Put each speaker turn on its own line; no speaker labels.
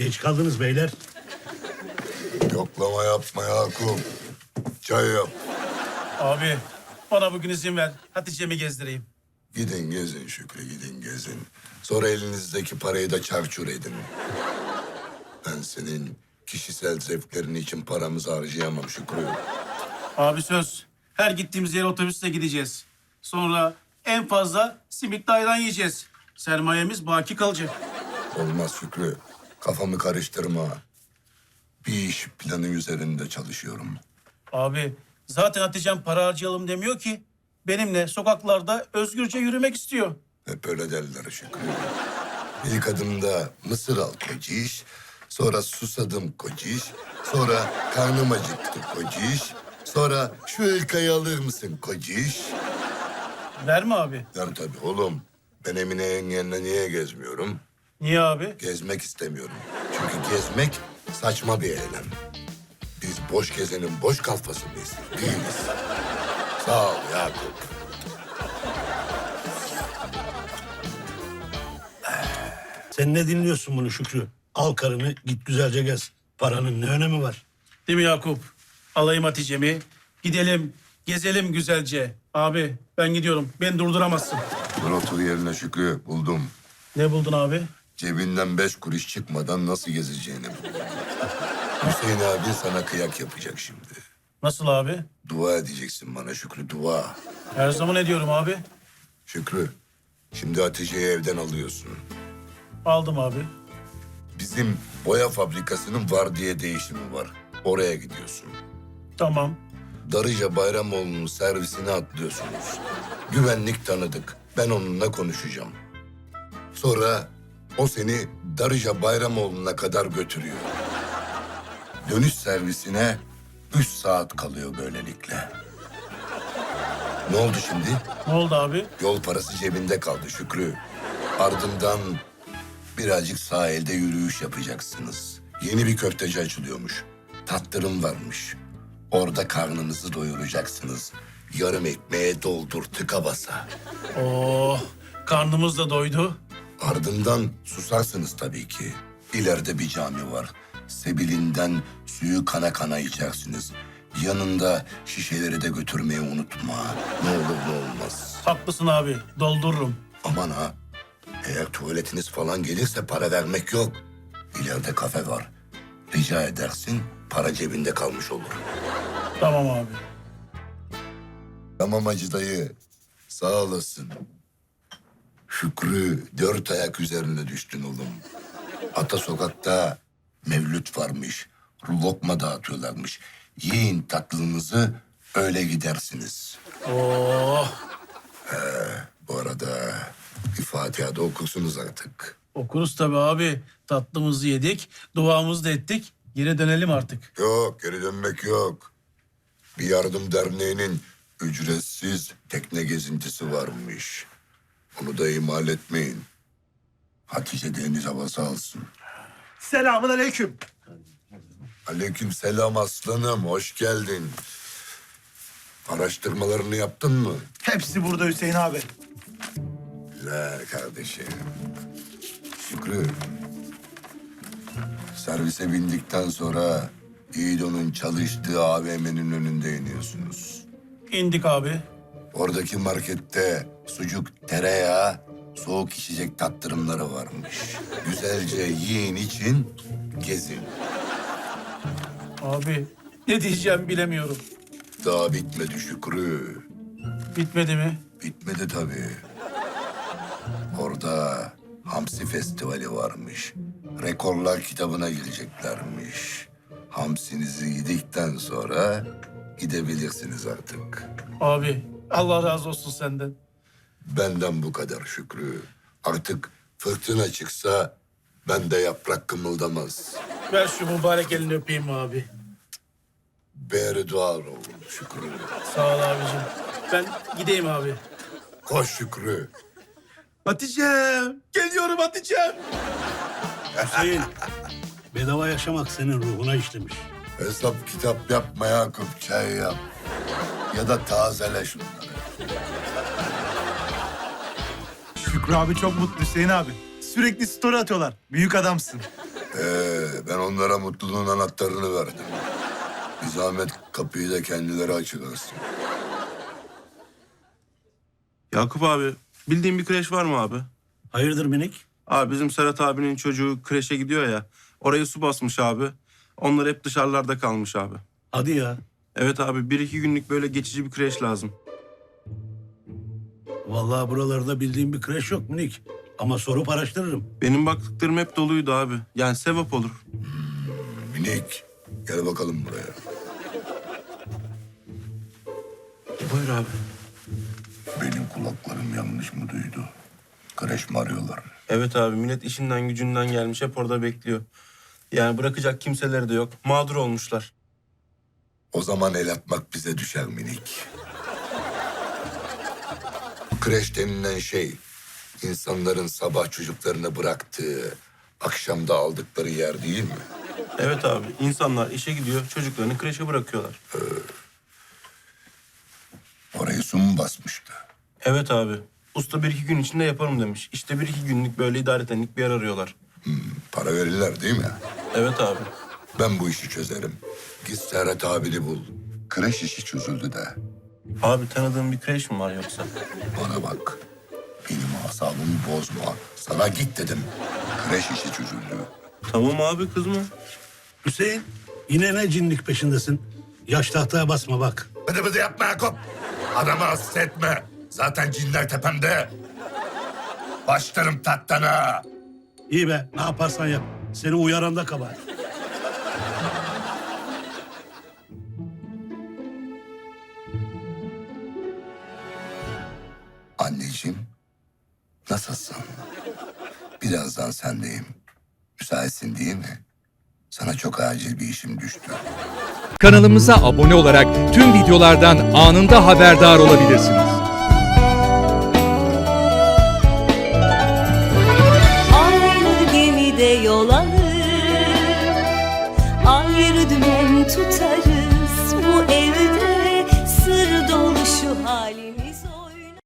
Geç kaldınız beyler.
Yoklama yapma Yakup. Çay yap.
Abi bana bugün izin ver. Hatice'mi gezdireyim.
Gidin gezin Şükrü, gidin gezin. Sonra elinizdeki parayı da çarçur edin. Ben senin kişisel zevklerin için paramızı harcayamam Şükrü.
Abi söz. Her gittiğimiz yere otobüsle gideceğiz. Sonra en fazla simitli ayran yiyeceğiz. Sermayemiz baki kalacak.
Olmaz Şükrü. Kafamı karıştırma. Bir iş planı üzerinde çalışıyorum.
Abi zaten Hatice'm para harcayalım demiyor ki. Benimle sokaklarda özgürce yürümek istiyor.
Hep öyle derler Şükrü. İlk adımda mısır al kociş, sonra susadım kociş, sonra karnım acıktı kociş, sonra şu hırkayı alır mısın kociş?
Verme abi.
Der tabii oğlum. Ben Emine yengenle niye gezmiyorum?
Niye abi?
Gezmek istemiyorum. Çünkü gezmek saçma bir eylem. Biz boş gezenin boş kalfası mıyız? Değiliz. Sağ ol Yakup.
Sen ne dinliyorsun bunu Şükrü? Al karını git güzelce gez. Paranın ne önemi var?
Değil mi Yakup? Alayım Hatice'mi. Gidelim, gezelim güzelce. Abi ben gidiyorum. Beni durduramazsın.
Dur otur yerine Şükrü. Buldum.
Ne buldun abi?
Cebinden 5 kuruş çıkmadan nasıl gezeceğini buldum. Hüseyin abi sana kıyak yapacak şimdi.
Nasıl abi?
Dua edeceksin bana Şükrü, dua.
Her zaman ediyorum abi.
Şükrü, şimdi Hatice'yi evden alıyorsun.
Aldım abi.
Bizim boya fabrikasının vardiya değişimi var. Oraya gidiyorsun.
Tamam.
Darıca Bayramoğlu'nun servisine atlıyorsunuz. Güvenlik tanıdık. Ben onunla konuşacağım. Sonra o seni Darıca Bayramoğlu'na kadar götürüyor. Dönüş servisine 3 saat kalıyor böylelikle. Ne oldu şimdi?
Ne oldu abi?
Yol parası cebinde kaldı Şükrü. Ardından birazcık sahilde yürüyüş yapacaksınız. Yeni bir köfteci açılıyormuş. Tattırım varmış. Orada karnınızı doyuracaksınız. Yarım ekmeğe doldur tıka basa.
Oh, karnımız da doydu.
Ardından susarsınız tabii ki. İleride bir cami var. Sebilinden suyu kana kana içersiniz. Yanında şişeleri de götürmeyi unutma. Ne olur ne olmaz.
Haklısın abi. Doldururum.
Aman ha. Eğer tuvaletiniz falan gelirse para vermek yok. İleride kafe var. Rica edersin, para cebinde kalmış olur.
Tamam abi.
Tamam Hacı dayı. Sağ olasın. Şükrü 4 ayak üzerine düştün oğlum. Ata sokakta mevlüt varmış. Lokma dağıtıyorlarmış. Yiyin tatlınızı, öyle gidersiniz.
Oh,
Bu arada bir Fatiha da okursunuz artık.
okuruz tabii abi. Tatlımızı yedik, duamızı da ettik. Geri dönelim artık.
Yok, geri dönmek yok. Bir yardım derneğinin ücretsiz tekne gezintisi varmış. Onu da ihmal etmeyin. Hatice deniz havası alsın.
Selamun aleyküm.
Aleyküm selam aslanım, hoş geldin. Araştırmalarını yaptın mı?
Hepsi burada Hüseyin abi.
Güzel kardeşim. Şükrü. Servise bindikten sonra İdo'nun çalıştığı AVM'nin önünde iniyorsunuz.
İndik abi.
Oradaki markette sucuk, tereyağı, soğuk içecek tattırımları varmış. Güzelce yiyin için gezin.
Abi ne diyeceğim bilemiyorum.
Daha bitmedi Şükrü.
Bitmedi mi?
Bitmedi tabii. Orada Hamsi Festivali varmış. Rekorlar kitabına gireceklermiş. Hamsinizi yedikten sonra gidebilirsiniz artık.
Abi Allah razı olsun senden.
Benden bu kadar Şükrü. Artık fırtına çıksa bende yaprak kımıldamaz.
Ver şu mübarek elini öpeyim abi.
Beri duar olun Şükrü.
Sağ ol abicim. Ben gideyim abi.
Koş Şükrü.
Hatice'm. Geliyorum Hatice'm.
Hüseyin, bedava yaşamak senin ruhuna işlemiş.
Hesap kitap yapma Yakup, çay yap. Ya da tazele şunları.
Şükrü abi çok mutlu Hüseyin abi. Sürekli story atıyorlar. Büyük adamsın.
Ben onlara mutluluğun anahtarını verdim. Bir zahmet kapıyı da kendileri açıklarsın.
Yakup abi, bildiğin bir kreş var mı abi?
Hayırdır minik?
Abi bizim Serhat abinin çocuğu kreşe gidiyor ya. Orayı su basmış abi. Onlar hep dışarılarda kalmış abi.
Hadi ya.
Evet abi, 1-2 günlük böyle geçici bir kreş lazım.
Vallahi buralarda bildiğim bir kreş yok minik. Ama sorup araştırırım.
Benim baktıklarım hep doluydu abi. Yani sevap olur.
Minik, gel bakalım buraya.
Buyur abi.
Benim kulaklarım yanlış mı duydu? Kreş mi arıyorlar?
Evet abi, millet işinden gücünden gelmiş, hep orada bekliyor. Yani bırakacak kimseleri de yok. Mağdur olmuşlar.
O zaman el atmak bize düşer minik. Kreş denilen şey, insanların sabah çocuklarını bıraktığı, akşamda aldıkları yer değil mi?
Evet abi, insanlar işe gidiyor, çocuklarını kreşe bırakıyorlar.
Orayı su mu basmıştı?
Evet abi, usta 1-2 gün içinde yaparım demiş. İşte 1-2 günlük böyle idaretenlik bir yer arıyorlar.
Para verirler değil mi?
Evet abi.
Ben bu işi çözerim. Git Serhat abini bul. Kreş işi çözüldü de.
Abi tanıdığın bir kreş mi var yoksa?
Bana bak. Benim asabımı bozma. Sana git dedim. Kreş işi çözüldü.
Tamam abi, kızma.
Hüseyin, yine ne cinlik peşindesin? Yaş tahtaya basma bak.
Bıdı bıdı yapma Yakup. Adamı hasta etme. Zaten cinler tepemde. Başlarım tatlana.
İyi be, ne yaparsan yap. Seni uyaran da kabahat.
Anneciğim, nasılsın? Birazdan sendeyim. Müsaitsin değil mi? Sana çok acil bir işim düştü.
Kanalımıza abone olarak tüm videolardan anında haberdar olabilirsiniz.
Aynı gemide yol alır, ayrı dümen tutarız.